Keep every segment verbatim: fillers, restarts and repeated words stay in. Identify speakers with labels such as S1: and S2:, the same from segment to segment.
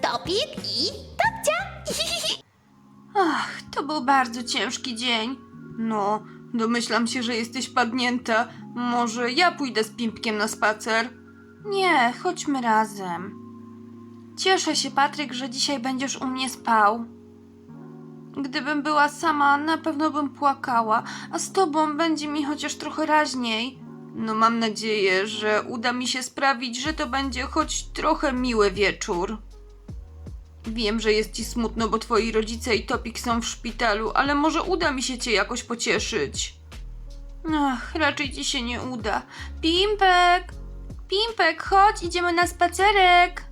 S1: Topik i Topcia.
S2: Ach, to był bardzo ciężki dzień. No, domyślam się, że jesteś padnięta. Może ja pójdę z Pimpkiem na spacer? Nie, chodźmy razem. Cieszę się, Patryk, że dzisiaj będziesz u mnie spał. Gdybym była sama, na pewno bym płakała, a z tobą będzie mi chociaż trochę raźniej. No mam nadzieję, że uda mi się sprawić, że to będzie choć trochę miły wieczór. Wiem, że jest ci smutno, bo twoi rodzice i Topik są w szpitalu, ale może uda mi się cię jakoś pocieszyć. Ach, raczej ci się nie uda. Pimpek! Pimpek, chodź, idziemy na spacerek.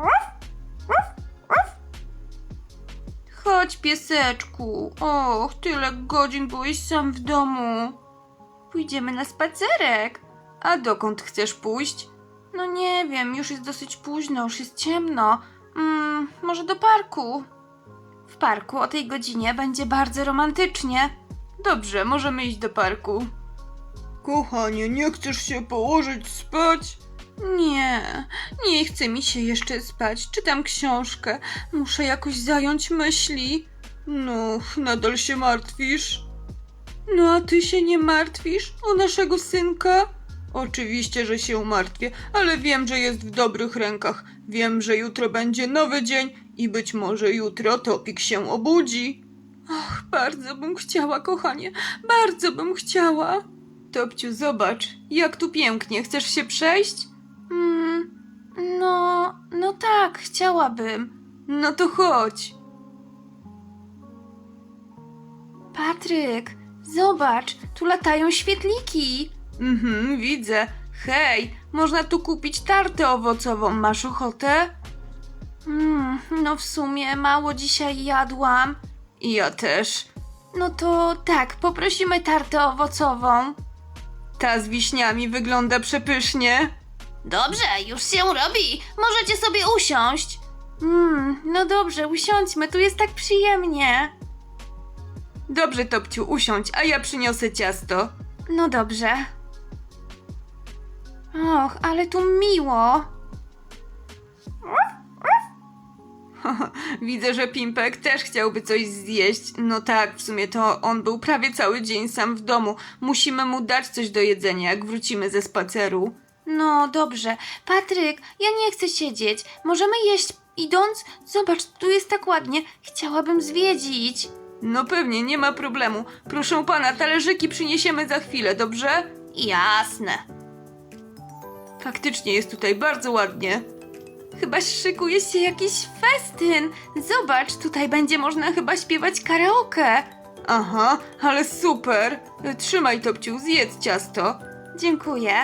S2: Chodź, pieseczku. Och, tyle godzin byłeś sam w domu. Pójdziemy na spacerek. A dokąd chcesz pójść? No nie wiem, już jest dosyć późno, już jest ciemno. Mm, może do parku. W parku o tej godzinie będzie bardzo romantycznie. Dobrze, możemy iść do parku. Kochanie, nie chcesz się położyć spać? Nie, nie chce mi się jeszcze spać. Czytam książkę. Muszę jakoś zająć myśli. No, nadal się martwisz? No a ty się nie martwisz o naszego synka? Oczywiście, że się martwię, ale wiem, że jest w dobrych rękach. Wiem, że jutro będzie nowy dzień i być może jutro Topik się obudzi. Och, bardzo bym chciała, kochanie, bardzo bym chciała. Topciu, zobacz, jak tu pięknie. Chcesz się przejść? Mm, no, no tak, chciałabym. No to chodź. Patryk, zobacz, tu latają świetliki. Mhm, widzę. Hej, można tu kupić tartę owocową. Masz ochotę? Mm, no w sumie mało dzisiaj jadłam. I ja też. No to tak, poprosimy tartę owocową. Ta z wiśniami wygląda przepysznie.
S1: Dobrze, już się robi. Możecie sobie usiąść.
S2: Mm, no dobrze, usiądźmy, tu jest tak przyjemnie. Dobrze, Topciu, usiądź, a ja przyniosę ciasto. No dobrze. Och, ale tu miło. Widzę, że Pimpek też chciałby coś zjeść. No tak, w sumie to on był prawie cały dzień sam w domu. Musimy mu dać coś do jedzenia, jak wrócimy ze spaceru. No dobrze. Patryk, ja nie chcę siedzieć. Możemy jeść idąc? Zobacz, tu jest tak ładnie. Chciałabym zwiedzić. No pewnie, nie ma problemu. Proszę pana, talerzyki przyniesiemy za chwilę, dobrze?
S1: Jasne.
S2: Faktycznie jest tutaj bardzo ładnie. Chyba szykuje się jakiś festyn. Zobacz, tutaj będzie można chyba śpiewać karaoke. Aha, ale super. Trzymaj, Topciu, zjedz ciasto. Dziękuję.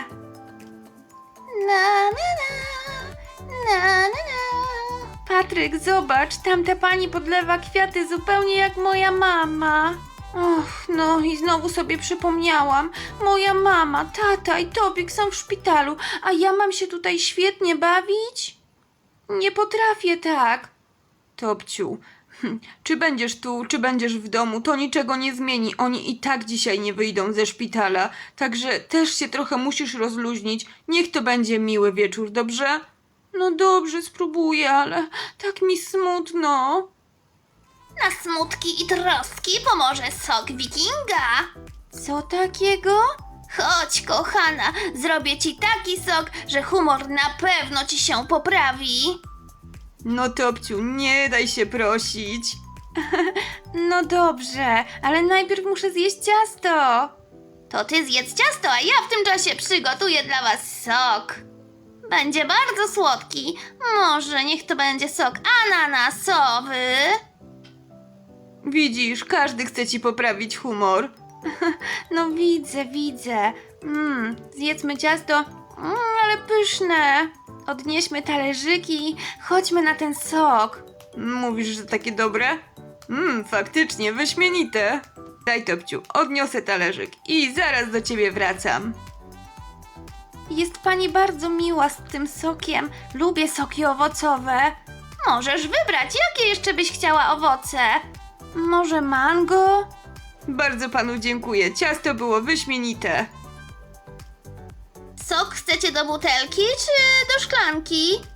S1: Na, na, na, na, na, na.
S2: Patryk, zobacz, tamta pani podlewa kwiaty zupełnie jak moja mama. Och, no i znowu sobie przypomniałam. Moja mama, tata i Topik są w szpitalu, a ja mam się tutaj świetnie bawić? Nie potrafię tak. Topciu, hm, czy będziesz tu, czy będziesz w domu, to niczego nie zmieni. Oni i tak dzisiaj nie wyjdą ze szpitala, także też się trochę musisz rozluźnić. Niech to będzie miły wieczór, dobrze? No dobrze, spróbuję, ale tak mi smutno.
S1: Na smutki i troski pomoże sok wikinga.
S2: Co takiego?
S1: Chodź, kochana, zrobię ci taki sok, że humor na pewno ci się poprawi.
S2: No Topciu, nie daj się prosić. No dobrze, ale najpierw muszę zjeść ciasto.
S1: To ty zjedz ciasto, a ja w tym czasie przygotuję dla was sok. Będzie bardzo słodki. Może niech to będzie sok ananasowy.
S2: Widzisz, każdy chce ci poprawić humor. No widzę, widzę. Mm, zjedzmy ciasto, mm, ale pyszne. Odnieśmy talerzyki, chodźmy na ten sok. Mówisz, że takie dobre? Mmm, faktycznie, wyśmienite. Daj, Topciu, odniosę talerzyk i zaraz do ciebie wracam. Jest pani bardzo miła z tym sokiem. Lubię soki owocowe.
S1: Możesz wybrać, jakie jeszcze byś chciała owoce.
S2: Może mango? Bardzo panu dziękuję. Ciasto było wyśmienite.
S1: Sok chcecie do butelki czy do szklanki?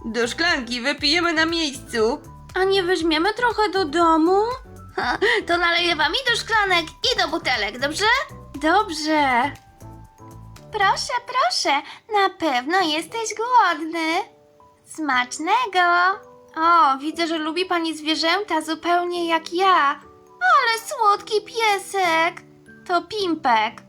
S2: Do szklanki wypijemy na miejscu. A nie weźmiemy trochę do domu?
S1: Ha, to naleję wam i do szklanek, i do butelek, dobrze?
S2: Dobrze.
S1: Proszę, proszę, na pewno jesteś głodny. Smacznego.
S2: O, widzę, że lubi pani zwierzęta zupełnie jak ja.
S1: Ale słodki piesek.
S2: To Pimpek.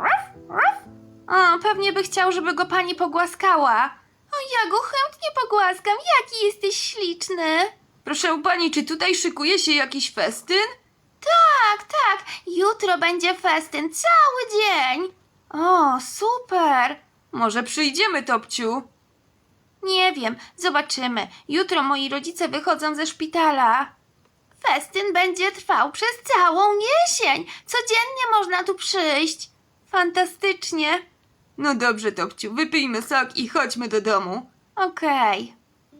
S2: O, pewnie by chciał, żeby go pani pogłaskała.
S1: O, ja go chętnie pogłaskam, jaki jesteś śliczny.
S2: Proszę pani, czy tutaj szykuje się jakiś festyn?
S1: Tak, tak, jutro będzie festyn cały dzień.
S2: O, super! Może przyjdziemy, Topciu? Nie wiem, zobaczymy. Jutro moi rodzice wychodzą ze szpitala.
S1: Festyn będzie trwał przez całą jesień. Codziennie można tu przyjść.
S2: Fantastycznie. No dobrze, Topciu, wypijmy sok i chodźmy do domu. Okej.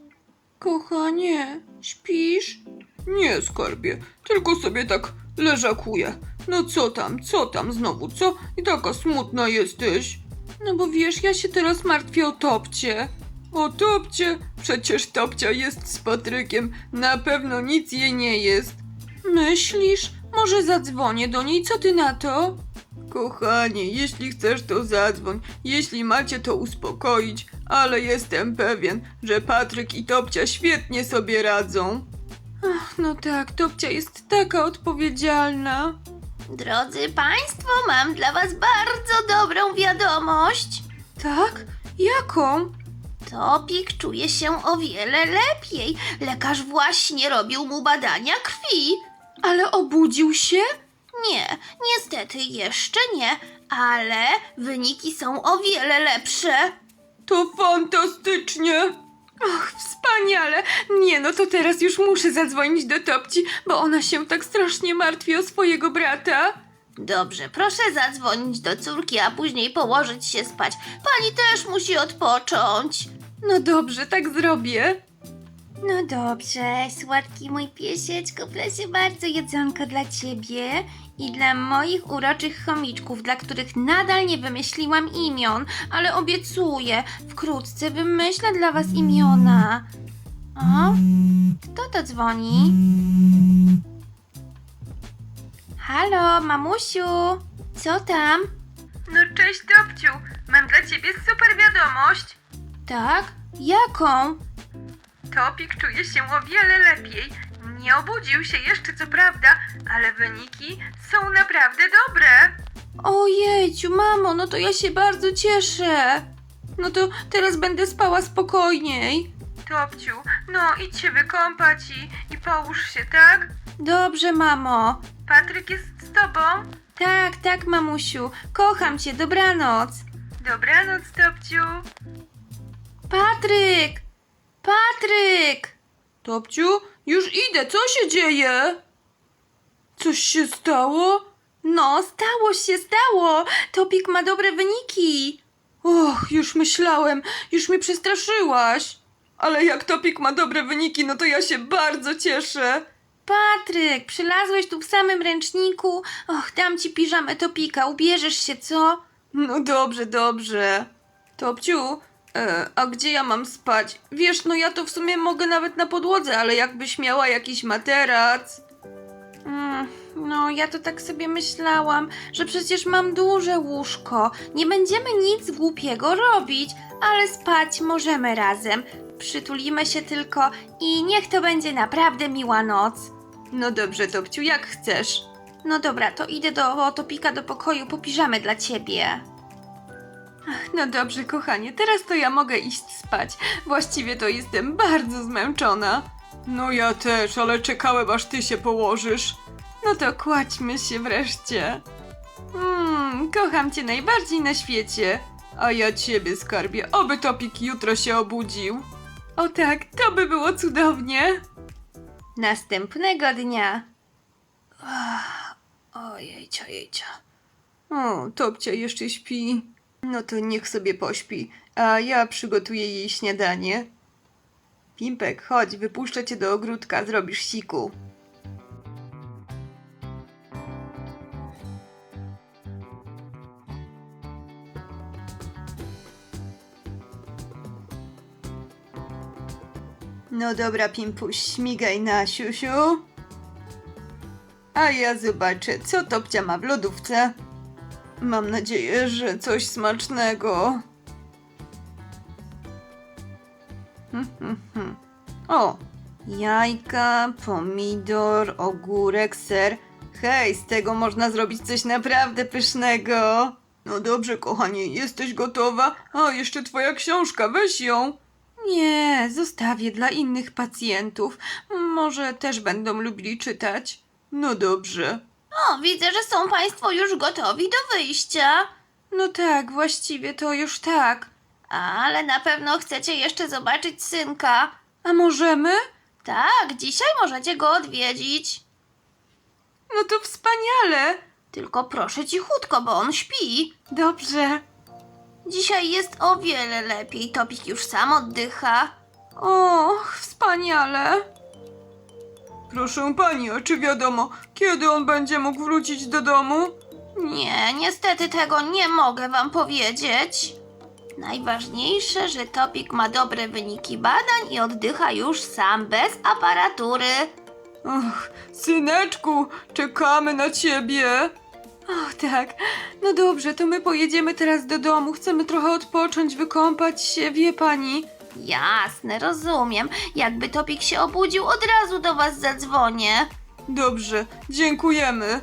S2: Kochanie, śpisz? Nie, skarbie, tylko sobie tak leżakuję. No co tam, co tam znowu, co? I taka smutna jesteś. No bo wiesz, ja się teraz martwię o Topcie. O Topcie? Przecież Topcia jest z Patrykiem. Na pewno nic jej nie jest. Myślisz? Może zadzwonię do niej, co ty na to? Kochanie, jeśli chcesz, to zadzwoń. Jeśli macie to uspokoić, ale jestem pewien, że Patryk i Topcia świetnie sobie radzą. Ach, no tak, Topcia jest taka odpowiedzialna.
S1: Drodzy Państwo, mam dla Was bardzo dobrą wiadomość.
S2: Tak? Jaką?
S1: Topik czuje się o wiele lepiej. Lekarz właśnie robił mu badania krwi.
S2: Ale obudził się?
S1: Nie, niestety jeszcze nie, ale wyniki są o wiele lepsze.
S2: To fantastycznie! Och, wspaniale! Nie no, to teraz już muszę zadzwonić do Topci, bo ona się tak strasznie martwi o swojego brata.
S1: Dobrze, proszę zadzwonić do córki, a później położyć się spać. Pani też musi odpocząć.
S2: No dobrze, tak zrobię.
S1: No dobrze, słodki mój piesieczku, proszę bardzo, jedzonko dla ciebie i dla moich uroczych chomiczków, dla których nadal nie wymyśliłam imion, ale obiecuję, wkrótce wymyślę dla was imiona. O, kto to dzwoni? Halo, mamusiu, co tam?
S2: No cześć Topciu, mam dla ciebie super wiadomość.
S1: Tak? Jaką?
S2: Topik czuje się o wiele lepiej. Nie obudził się jeszcze, co prawda, ale wyniki są naprawdę dobre. Ojejciu, mamo, no to ja się bardzo cieszę. No to teraz będę spała spokojniej. Topciu, no idź się wykąpać i, i połóż się, tak? Dobrze, mamo. Patryk jest z tobą? Tak, tak, mamusiu. Kocham cię, dobranoc. Dobranoc, Topciu. Patryk! Patryk! Topciu, już idę, co się dzieje? Coś się stało? No, stało się, stało! Topik ma dobre wyniki. Och, już myślałem, już mnie przestraszyłaś. Ale jak Topik ma dobre wyniki, no to ja się bardzo cieszę. Patryk, przylazłeś tu w samym ręczniku. Och, dam ci piżamę Topika, ubierzesz się, co? No dobrze, dobrze. Topciu, e, a gdzie ja mam spać? Wiesz, no ja to w sumie mogę nawet na podłodze, ale jakbyś miała jakiś materac. Mm, no, ja to tak sobie myślałam, że przecież mam duże łóżko. Nie będziemy nic głupiego robić, ale spać możemy razem. Przytulimy się tylko i niech to będzie naprawdę miła noc. No dobrze, Topciu, jak chcesz. No dobra, to idę do Topika do pokoju po piżamę dla ciebie. Ach, no dobrze, kochanie, teraz to ja mogę iść spać. Właściwie to jestem bardzo zmęczona. No ja też, ale czekałem, aż ty się położysz. No to kładźmy się wreszcie. Mmm, kocham cię najbardziej na świecie. A ja ciebie, skarbie, oby Topik jutro się obudził. O tak, to by było cudownie. Następnego dnia. Ojejcia, jejcia. O, Topcia jeszcze śpi. No to niech sobie pośpi, a ja przygotuję jej śniadanie. Pimpek, chodź, wypuszczę cię do ogródka, zrobisz siku. No dobra, Pimpuś, śmigaj na siusiu. A ja zobaczę, co Topcia ma w lodówce. Mam nadzieję, że coś smacznego. Hmm, hmm, hmm. O, jajka, pomidor, ogórek, ser. Hej, z tego można zrobić coś naprawdę pysznego. No dobrze, kochanie, jesteś gotowa? A, jeszcze twoja książka, weź ją. Nie, zostawię dla innych pacjentów. Może też będą lubili czytać. No dobrze.
S1: O, widzę, że są Państwo już gotowi do wyjścia.
S2: No tak, właściwie to już tak.
S1: Ale na pewno chcecie jeszcze zobaczyć synka.
S2: A możemy?
S1: Tak, dzisiaj możecie go odwiedzić.
S2: No to wspaniale.
S1: Tylko proszę cichutko, bo on śpi.
S2: Dobrze.
S1: Dzisiaj jest o wiele lepiej. Topik już sam oddycha.
S2: Och, wspaniale. Proszę pani, a czy wiadomo, kiedy on będzie mógł wrócić do domu?
S1: Nie, niestety tego nie mogę wam powiedzieć. Najważniejsze, że Topik ma dobre wyniki badań i oddycha już sam, bez aparatury.
S2: Och, syneczku, czekamy na ciebie. Och, tak. No dobrze, to my pojedziemy teraz do domu. Chcemy trochę odpocząć, wykąpać się, wie pani.
S1: Jasne, rozumiem. Jakby Topik się obudził, od razu do was zadzwonię.
S2: Dobrze, dziękujemy.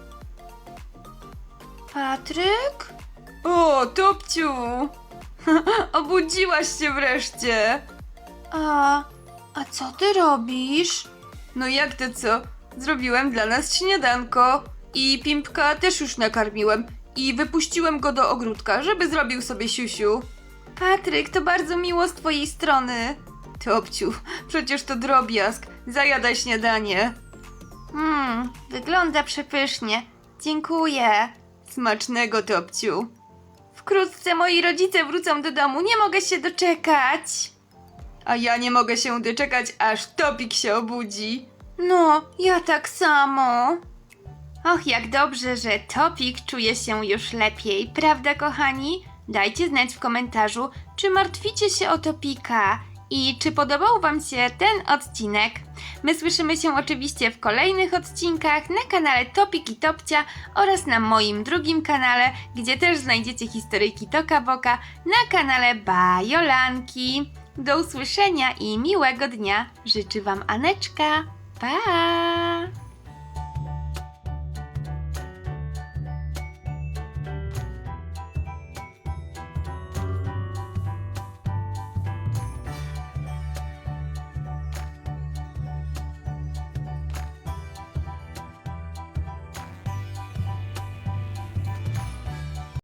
S1: Patryk?
S2: O, Topciu! Obudziłaś się wreszcie.
S1: A, a co ty robisz?
S2: No jak to co? Zrobiłem dla nas śniadanko. I Pimpka też już nakarmiłem. I wypuściłem go do ogródka, żeby zrobił sobie siusiu. Patryk, to bardzo miło z twojej strony. Topciu, przecież to drobiazg. Zajadaj śniadanie.
S1: Hmm, wygląda przepysznie. Dziękuję.
S2: Smacznego, Topciu.
S1: Wkrótce moi rodzice wrócą do domu, nie mogę się doczekać.
S2: A ja nie mogę się doczekać, aż Topik się obudzi.
S1: No, ja tak samo. Och, jak dobrze, że Topik czuje się już lepiej, prawda, kochani? Dajcie znać w komentarzu, czy martwicie się o Topika i czy podobał wam się ten odcinek. My słyszymy się oczywiście w kolejnych odcinkach na kanale Topik i Topcia oraz na moim drugim kanale, gdzie też znajdziecie historyjki Toka Boka na kanale Bajolanki. Do usłyszenia i miłego dnia życzy wam Aneczka. Pa!